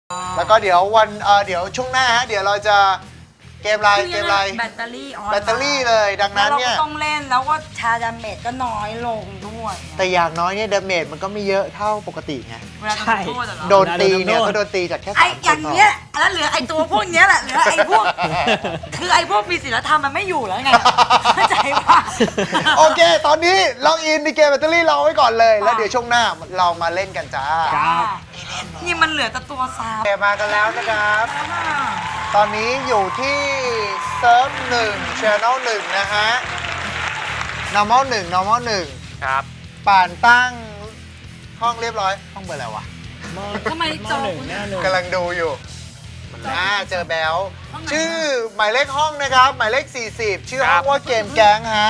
แล้วก็เดี๋ยวเดี๋ยวช่วงหน้าฮะเดี๋ยวเราจะเกมอะไรแบตเตอรี่เลยดังนั้นเนี่ยเราต้องเล่นแล้วก็ชาดาเมจก็น้อยลงด้วยแต่อย่างน้อยเนี่ยดาเมจมันก็ไม่เยอะเท่าปกติไงเวลาโดนโทษเหรอโดนตีเนี่ยก็โดนตีจากแค่ไอ้ 3 อย่างเงี้ยแล้วเหลือไอ้ตัวพวกเนี้ยแหละเหลือไอ้พวกคือไอ้พวกมีศีลธรรมมันไม่อยู่แล้วไงเข้าใจป่ะโอเค ตอนนี้ล็อกอินในเกมแบตเตอรี่รอไว้ก่อนเลย แล้วเดี๋ยวช่วงหน้าเรามาเล่นกันจ้านี่มันเหลือแต่ตัวซ้ำเกมมากันแล้วนะครับ ตอนนี้อยู่ที่เซิร์ฟ1 Channel 1 นะฮะ Normal 1 ครับป่านตั้งห้องเรียบร้อย ห้องเบอร์อะไรวะทำไมจอกำลังดูอยู่เจอแบลชื่อหมายเลขห้องนะครับ หมายเลข 40 ชื่อห้องว่าเกมแก๊งฮะ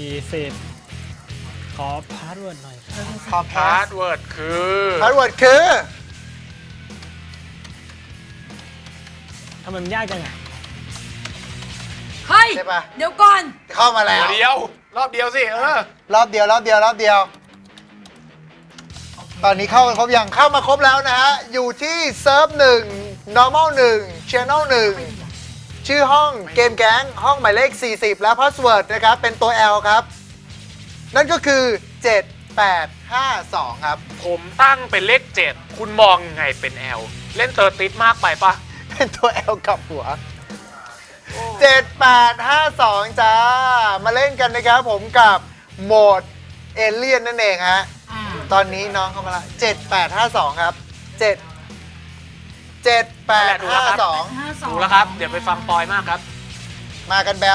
40 ขอพาสเวิร์ดหน่อยครับขอพาสเวิร์ดคือพาสเวิร์ดคือทำไมมันยากจังอ่ะเฮ้ยใช่ปะเดี๋ยวก่อนเข้ามาแล้วเดียวรอบเดียวสิรอบเดียว ตอนนี้เข้ากันครบยังเข้ามาครบแล้วนะฮะ อยู่ที่เซิร์ฟ1 normal 1 channel 1 ชื่อห้องเกมแก๊งห้องหมายเลข 40 และพาสเวิร์ดนะครับ เป็นตัว L ครับ นั่นก็คือ 7852 ครับผมตั้งเป็นเลข 7 คุณมองยังไงเป็น L เล่นเตอร์ติสมากไปปะเป็นตัว L กับหัว 7852 จ้า มาเล่นกันนะครับผมกับโหมดเอเลี่ยนนั่นเองฮะ ตอนนี้น้องเข้ามาละ7852 ครับ 7852 ดูแล้วครับ เดี๋ยวไปฟังปอยมากครับมากันแบล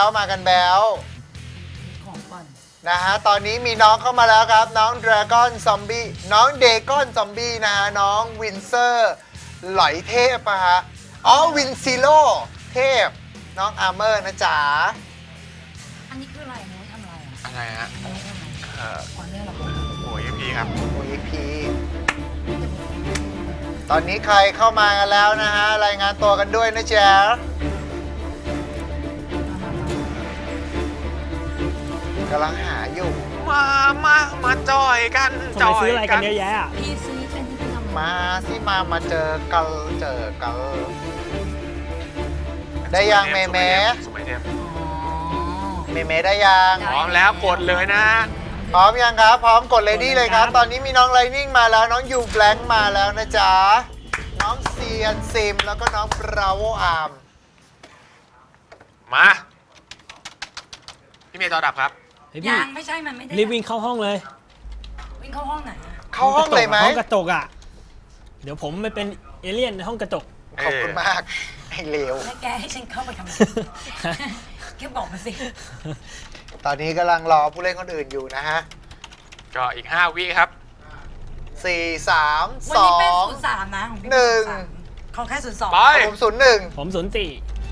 ของก่อนนะฮะ ตอนนี้มีน้องเข้ามาแล้วครับ น้อง Dragon Zombie น้อง Dagon Zombie นะฮะ น้องวินเซอร์หลอยเทพอะฮะ อ๋อ วินซิโลเทพ น้องอาร์เมอร์นะจ๊ะอันนี้คืออะไรนะทำอะไรอ่ะอะไรฮะอันนี้ทำอะไรก่อนเนี่ยเหรอโอ้ยพี่ครับโอ้ยพีตอนนี้ใครเข้ามากันแล้วนะฮะ รายงานตัวกันด้วยนะจ๊ะกำลังหาอยู่มาจอยกันทำไมซื้ออะไรกันเยอะแยะอ่ะพี่ซื้อเป็นที่พี่ทำมาสิมาเจอกันได้ยังเมเมสมัยเทพเมเมได้ยังพร้อมแล้วกดเลยนะพร้อมยังครับ พร้อมกดเลยดีเลยครับ ตอนนี้มีน้องไลนิ่งมาแล้ว น้องยูแบล็งมาแล้วนะจ๊ะ น้องเซียนซิม แล้วก็น้องบราโวอาร์มมา พี่เมย์จอดับครับเฮ้ยพี่ยังไม่ใช่มันไม่ได้รีบวิ่งเข้าห้องเลยวิ่งเข้าห้องไหนอะเข้าห้องเลยไหมห้องกระจกอ่ะ เดี๋ยวผมไปเป็นเอเลี่ยนในห้องกระจกขอบคุณมาก ไอ้เลวแล้วแกให้ฉันเข้าไปทำไมแกบอกมาสิตอนนี้กำลังรอผู้เล่นคนอื่นอยู่นะฮะก็อีก 5 วิครับ 4 3 วันนี้เป็น 2 03นะของพี่หนึ่ง 03ของแค่02 ไปผม01 ผม04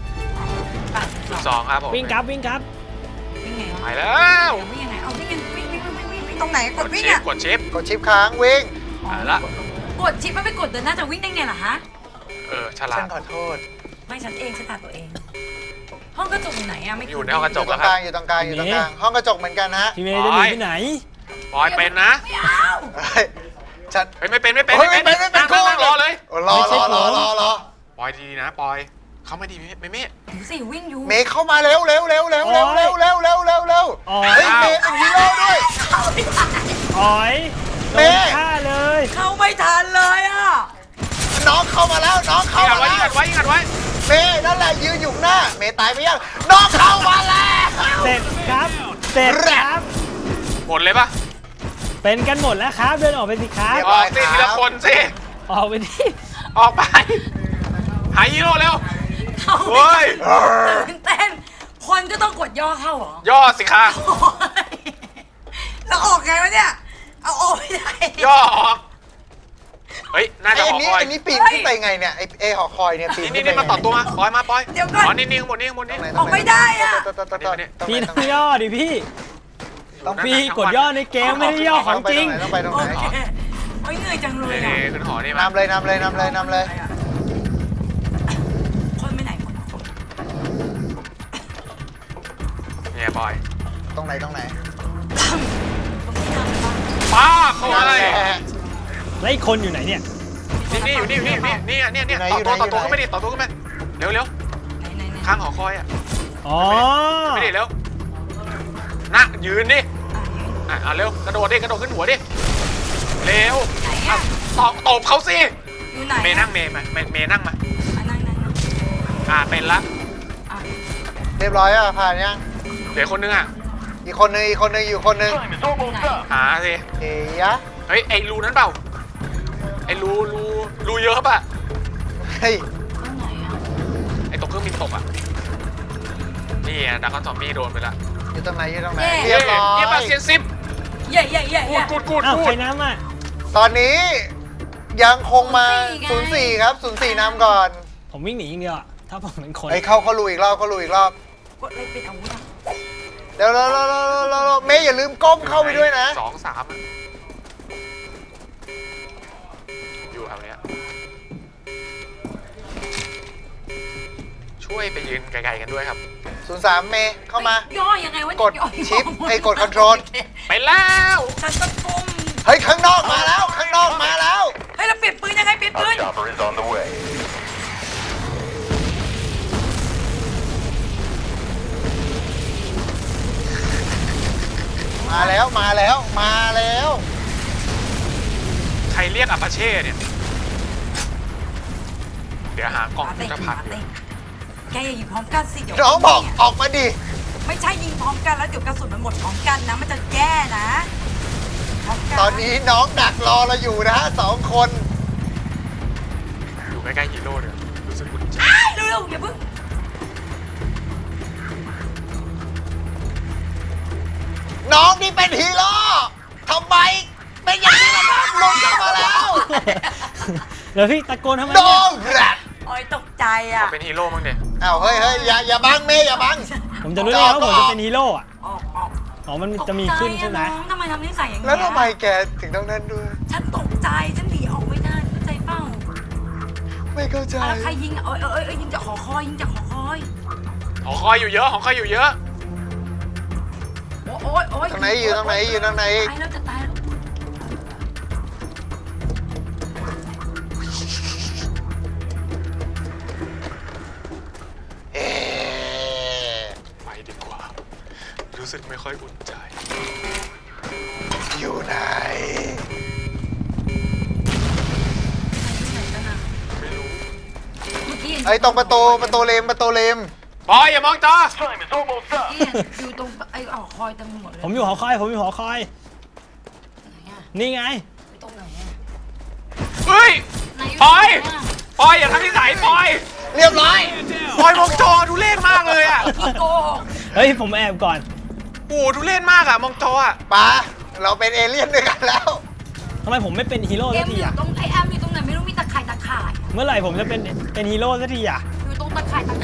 2ครับผมวิ่งครับวิ่งไงไปวะแล้ววิ่งยังไงเอาวิ่งตรงไหนกดวิ่งชิปอ่ะกดชิปกดชิปค้างวิ่งไปละกดชิปมันไปกดเดินหน้าจะวิ่งได้ไงล่ะฮะฉลาฉัดนขอโทษไม่ฉันเองฉันตัดตัวเอง ห้องกระจกอยู่ไหนอะไม่อยู่ในห้องกระอจยู่กตรงกลางอยู่ตรงกลางห้องกระจกเหมือนกันนะฮะพี่เมย์จะหนีไปไหนปอยเป็นนะไม่เอาเฮ้ยฉันเฮ้ยไม่เป็นเฮ้ยไม่เป็นนั่งกูรอเลยรอปอยดีนะปอย เขาไม่ดีไม่เมฆดูสิวิ่งอยู่เมย์เข้ามาเร็วเฮ้ยเมย์เป็นฮีโร่ด้วยอ๋อยโดเมนย์ฆ่าเลยเข้าไม่ทันเลยอ่ะน้องเข้ามาแล้วน้องเข้ายิงมาไว้แล้วยิงไว้เมย์นั่นแหละยืนอยู่หน้าเมย์ตายไปยังน้องเข้ามาแล้วเสร็จครับ เสร็จครับหมดเลยปะเป็นกันหมดแล้วครับ เดินออกไปสิครับออกสิทีละคนสิออกไปดิออกไป หายฮีโร่เร็วเข้าเฮ้ไม่ยตื่นเต้นคนก็ต้องกดย่อเข้าเหรอย่อสิคะโอ้ยแล้วออกไงวะเนี่ย เอาออกไม่ได้ย่อออก เฮ้ย น่าจะออกปอยอันนี้ปีนขึ้นไปไงเนี่ยไอหอคอยเนี่ยปีนนี่มาต่อตัวมาปอยมาปอยเดี๋ยวก่อนอ๋อนี่ข้างบนนี่ข้างบนนี่ออกไม่ได้อะพี่ต้องย่อดิพี่ พี่กดย่อในเกมไม่ได้ย่อของจริงต้องไปตรงโอไหนเคโอ้ยเหนื่อยจังเลยนี่อะขึ้นหอนี่มานำเลยคนไปไหนหมดเนี่ยปอยตรงไหนตรงนี้ทำอะไรบ้างป้าเข้ามาเลยแล้วอีกคนอยู่ไหนเนี่ยคนี่อยู่นี่เนี่ยต่อตัวขึ้นไปดิต่อตัวขึ้นไปเร็วไหนข้างหอคอยอ่ะอ๋อไม่ดิเร็วนั่งยืนดิเร็วกระโดดขึ้นหัวดิเร็วตบเขาสิอยู่ไหนเมย์นั่งเมย์นั่งมานั่งเป็นละเรียบร้อยอ่ะผ่านยังเหลือคนนึงอ่ะอีกคนนึงอยู่คนนึงหาสิเฮียเฮ้ยไอ้รูนั้นเปล่าไอ้รูเยอะป่ะเฮ้ยตรงไหนอ่ะไอ้ตกเครื่องบินตกอ่ะนี่ดักคอนซอมบี้โดนไปละอยู่ตรงไหนเรียบร้อยเยี่ยมมากเซียนซิปเย่กูดอ้าวใครน้ำอ่ะตอนนี้ยังคงมา04ครับ04นำก่อนผมวิ่งหนีอย่างเดียวอะถ้าผมเป็นคนไอ้เขาลุยอีกรอบกดอะไรเป็นอาวุธอ่ะเดี๋ยวเมย์อย่าลืมก้มเข้าไปด้วยนะ 2 3อยู่แถวเนี้ยช่วยไปยืนไกลๆกันด้วยครับ 03เมย์เข้ามาย่อยังไงวะกดชิปกดคอนโทรลไปแล้วฉันตะกุมเฮ้ยข้างนอกมาแล้วเฮ้ยเราเปลี่ยนปืนยังไงเปลี่ยนปืน Chopper is on the way. มาแล้วใครเรียกอัปาเช่เนี่ยเดี๋ยวหากล่องยุทธภัณฑ์แกอย่ายิงพร้อมกันสิเดี๋ยวน้องบอกออกมาดิไม่ใช่ยิงพร้อมกันแล้วเดี๋ยวกระสุนมันหมดพร้อมกันนะมันจะแย่นะพร้อมกันตอนนี้น้องดักรอเราอยู่นะฮะ2 คนอยู่ใกล้ๆฮีโร่เนี่ยรู้สึกอุ่นใจเร็วอย่าเพิ่งน้องนี่เป็นฮีโร่ทำไมเป็นอย่างนี้ล่ะครับลงเข้ามาแล้วแล้วพี่ตะโกนทำไมโดเนี่ยนแรดโอ้ยตกใจอ่ะเป็นฮีโร่มั้งเนี่ยอ้าวเฮ้ยอย่าบังเมย์อย่าบังผมจะรู้ได้ไงว่าผมจะเป็นฮีโร่อะออกอ๋อมันจะมีขึ้นใช่ไหมตกใจอะน้องทำไมทำนิสัยอย่างนี้แล้วทำไมแกถึงต้องนั่นด้วยฉันตกใจฉันหนีออกไม่ได้เข้าใจเปล่าไม่เข้าใจแล้วใครยิงเอ้ยยิงจากหอคอยยิงจากหอคอยหอคอยอยู่เยอะหอคอยอยู่เยอะโอ้ยตรงไหนอยู่ตรงไหนตายแล้วจะตายแล้วเอ๊ะไปดีกว่า รู้สึกไม่ค่อยอุ่นใจอยู่ไหนไม่รู้เมื่อกี้ไอ้ตรงประตูเลมบอยอย่ามองจอ Time is almost up. อยู่ตรงไอ้หอคอยเต็มหมดเลยผมอยู่หอคอยไหนอะนี่ไงไปตรงไหนอะเฮ้ยไหนปอย ปอยอย่าทำนิสัยปอยเรียบร้อยปอยมองจอดูเล่นมากเลยอ่ะพี่โกหกเฮ้ยผมแอบก่อนโอ้ดูเล่นมากอ่ะมองจออ่ะป้าเราเป็นเอเลี่ยนด้วยกันแล้วทำไมผมไม่เป็นฮีโร่เอ็สัมกอทียู่อะตรงไอแอมอยู่ตรงไหนไม่รู้มีตะข่ายเมื่อไหร่ผมจะเป็นฮีโร่สักทีอะอยู่ตรงตะข่ายขา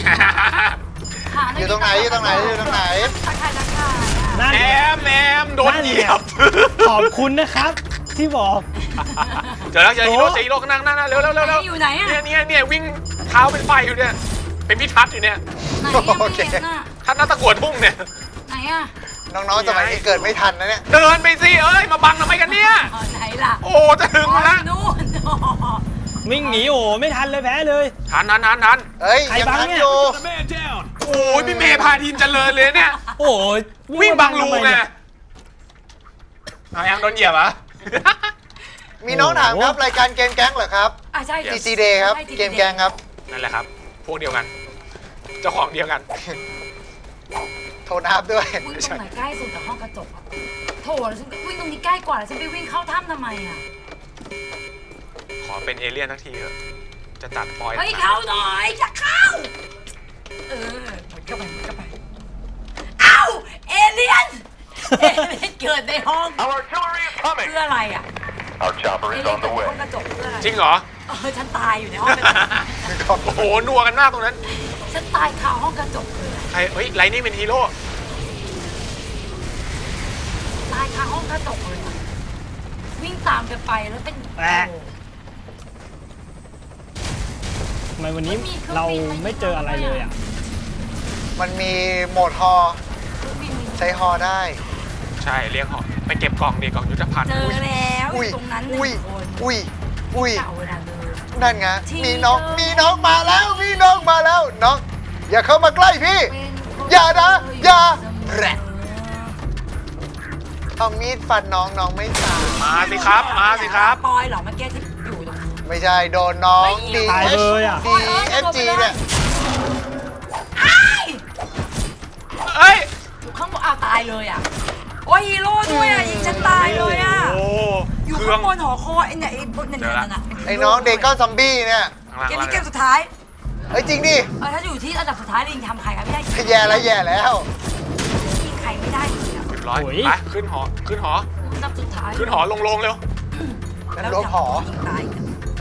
อยู่ตรงไหนตะข่ายอะนั่นแอไงมโดนเหยียบขอบคุณนะครับ ที่บอกเจอแล้วเจอฮีโร่นั่งเร็วอยู่ไหนอะเนี่ยวิ่งเท้าเป็นไฟอยู่เนี่ยเป็นพิทัศน์อยู่เนี่ยไหนอะไม่เห็นอะท่านน่าตะกวดทุ่งเนี่ยไหนอะน้องๆสมัยนี้เกิดไม่ทันนะเนี่ยเดินไปสิเอ้ยมาบังทำไมกันเนี่ยไหนล่ะโอ้จะถึงแล้วนู่นวิ่งหนีโอ้ไม่ทันเลยแพ้เลยทันเฮ้ยใครยังบังทันเนี่ยอยู่โอ้ยพี่เมย์พาทีมเจริญเลยเนี่ยโอ้ยวิ่งบังรูทำมไงเนี่ยเอายังโดนเหยียบอ่ะมีน้องถามครับรายการเกมแก๊งเหรอครับใช่ TC Day ครับ เกมแก๊งครับนั่นแหละครับ พวกเดียวกัน เจ้าของเดียวกันโทรนับด้วยวิ่งตรงไหนใกล้สุดกับห้องกระจกอะโถแล้วฉันวิ่งตรงนี้ใกล้กว่าแล้วฉันไปวิ่งเข้าถ้ำทำไมอะขอเป็นเอเลี่ยนทักทีเถอะ จะจัดปอยเฮ้ยเข้าหน่อยจะเข้าหมดเข้าไปเอ้าเอเลี่ยนเกิดในห้อง Our artillery is เพื่ coming. ออะไรอ่ะ Our chopper เอ is เลี่ยน on เกิด the ใน way. ห้องกระจกเพื่ออะไรจริงเหรอฉันตายอยู่ในห้องกระจกโอ้โห นัวกันมากตรงนั้นฉันตายคาห้องกระจกเลยใครเฮ้ยไลนี่เป็นฮีโร่ตายคาห้องกระจกเลยอะวิ่งตามกันไปแล้วเป็นแปะ ทำไมวันนี้เราไม่เจออะไรเลยอะมันมีโหมดฮอใช้ฮอได้ใช่เรียกเหาะไปเก็บกล่องดิกล่องยุทธภัณฑ์เจอแล้วอุ้ยตรงนั้นอุ้ย 1 คนอุ้ยเก่าเวลาเดินนั่นไงมีน้องมาแล้วมีน้องมาแล้วน้องอย่าเข้ามาใกล้พี่ อย่านะอย่าแรดเอามีดฟันน้องไม่ตายมาสิครับมาสิครับปอยเหรอเมื่อกี้ที่อยู่ตรงไม่ใช่โดนน้องตายเลยอ่ะ DFG เนี่ยอ้ายเอ้ยอยู่ข้างบนอ้าวตายเลยอ่ะโอ้ยฮีโร่ด้วยอ่ะยิงฉันตายเลยอ่ะโอ้อยู่เครื่อข้าง งบนหอคอยไอ้เนี่ยไอ้พวกเนี่ยนั่นน่ะไอ้น้องเด็กก้อนซอมบี้เนี่ยเกมนี้เกมสุดท้ายเฮ้ยจริงดิถ้าอยู่ที่อันดับสุดท้ายลิงทำใครกันไม่ได้แย่แล้วยิงใครไม่ได้เลยอ่ะเรียบร้อยโอ้ยไปขึ้นหออันดับสุดท้ายขึ้นหอลงเร็วนั่นรวมหอยิงตาย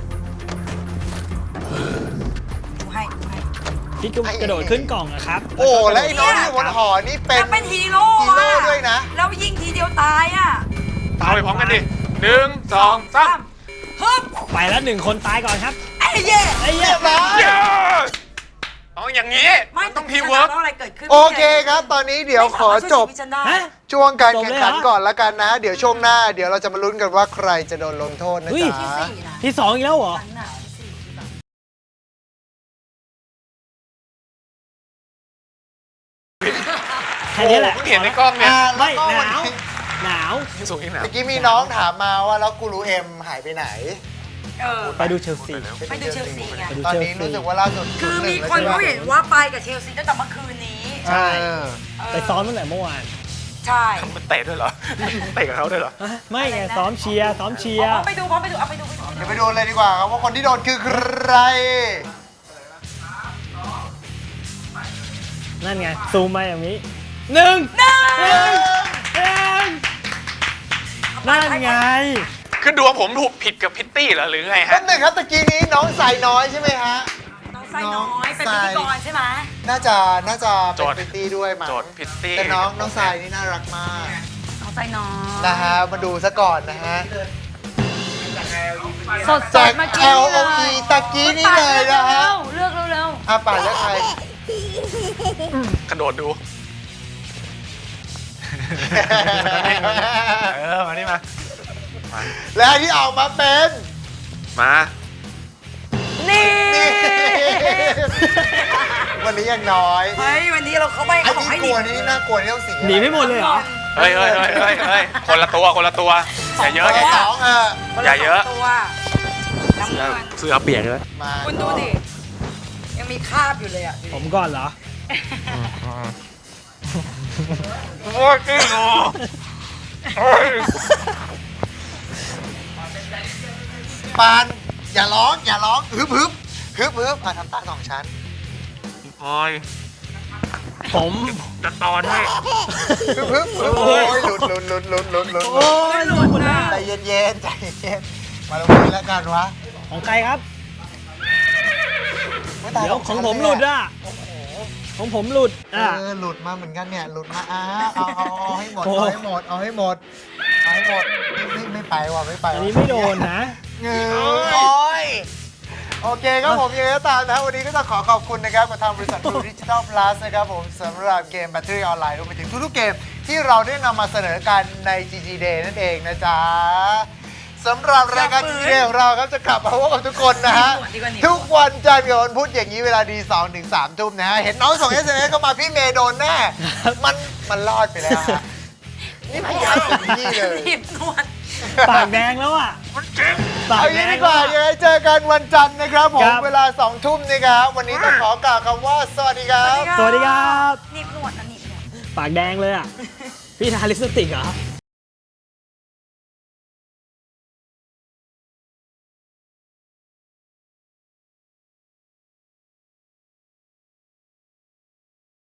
ดูให้พี่กระโดดขึ้นกล่องอะครับโอ้และไอ้น้องที่อยู่บนหอนี่เป็นจะเป็นฮีโร่ฮีโร่ด้วยนะแล้วยิงทีเดียวตายอ่ะๆเข้าไปพร้อมกันดิ1 2 3 ฮึบไปแล้ว1 คนตายก่อนครับไอ้เย่ไอ้เหี้เรียยบร้อยเย้เอาอย่างนี้มันต้องทีมเวิร์กอะไรเกิดขึ้นโอเคครับ ตอนนี้เดี๋ยวขอจบฮะช่วงการแข่งขันจบเลยเหรอก่อนละกันนะ เดี๋ยวช่วงหน้าเดี๋ยวเราจะมาลุ้นกันว่าใครจะโดนลงโทษนะเฮ้ยจ๊ะที่2อีกแล้วเหรอ แค่นี้แหละเพิ่งเห็นในกล้องเนี่ยแล้วไม่ก็หวันนาวนี้หนาวยิ่งสูงยิ่งหนาวเมื่อกี้มีน้องถามมาว่าแล้วกูรูเอ็มหายไปไหนไปดูเชลซีไปดูเชลซีไงไปดูตอนเชลนี้ซีรู้สึกว่าล่าสุดคือมี 0-1 คนแล้วเขาใช่เห็นปะว่าไปกับเชลซีตั้งแต่เมื่อคืนนี้ใช่ไปซ้อมตั้งแต่เมื่อวานใช่มันเตะด้วยเหรอ เตะกับเขาด้วยเหรอฮะไม่ไงซ้อมเชียร์พร้อมไปดูเอาไปดูเดี๋ยวไปดูเลยดีกว่าครับว่าคนที่โดนคือใครนั่นไง ซูมมาอย่างนี้หนึ่งนั่นไงคือดวงผมถูกผิดกับพิตตี้เหรอหรือไงแป๊ฮะบหนึงครับตะกี้นี้น้องสายน้อยใช่ไหมฮะน้องไส้น้อยเป็นพิธีกรใช่ไหมน่าจะเป็นพิตตี้ด้วยมั้งโจทย์พิตตี้แต่น้องสายนี่น่ารักมากน้องไส้น้อยนะฮะมาดูซะก่อนนะฮะสดจากมากิน LOE ตะกี้นี่เลยนะฮะเลือกเร็วอาป่าแล้วใครกระโดดดู มานี่มาและที่ออกมาเป็นมานี่นี่ วันนี้ยังน้อยเฮ้ยวันนี้เราเข้าไปไอ้ขอที่ให้กลัวนี่น่ากลัวที่ต้องสีหนีไม่หมดเลยเหรอเฮ้ยคนละตัวอย่าเยอะสอย่าเยออะงอย่าเยอะตัวน้ำเงินเสื้อเปียกเลยมาคุณดูดิยังมีคราบอยู่เลยอ่ะผมก่อนเหรอโอ้ยจริงเหรอปานอย่าร้องฮึบอ่ะทำตาสองชั้นโอ้ยผมจะตอนให้ฮึบโอ้ยหลุดโอ้ยหลุดหมดแล้วใจเย็นมาลงมือแล้วกันวะของใครครับไม่ตายเดี๋ยวของผมหลุดอ่ะของผมหลุดอ่ะหลุดมาเหมือนกันเนี่ยหลุดมาเอาให้หมดโอ้เอาให้หมดไม่ไปว่ะไม่ไปอันนี้ไม่โดนนะเงยโอ้ยโอเคครับผมยังไงก็ตามนะวันนี้ก็ต้องขอขอบคุณนะครับกับทางบริษัท True Digital Plus นะครับผมสำหรับเกม Battery Online รวมไปถึงทุกๆเกมที่เราได้นำมาเสนอกันใน GG Day นั่นเองนะจ๊ะสำหรับรายการ GG Day ของเราครับจะกลับมาพบกับทุกคนนะฮะ ทุกวันจันทร์กับวันพุธอย่างนี้เวลาดี 2 ถึง 3 ทุ่มนะฮะ เห็นน้องส่ง SMS เข้ามาพี่เมย์โดนแน่ มันรอดไปแล้วฮะ นี่พยายามเต็มที่เลยรีบนวดปากแดงแล้วอ่ะปากเอาแดงี้งดีกว่าแล้วยังไงเจอกันวันจันทร์นะครับผมครับเวลา 2 ทุ่มนะครับ วันนี้ต้องขอกล่าวคำว่า สวัสดีครับสวัสดีครับรีบนวดนะนี่ปากแดงเลยอ่ะ พี่ทาลิปสติกเหรอ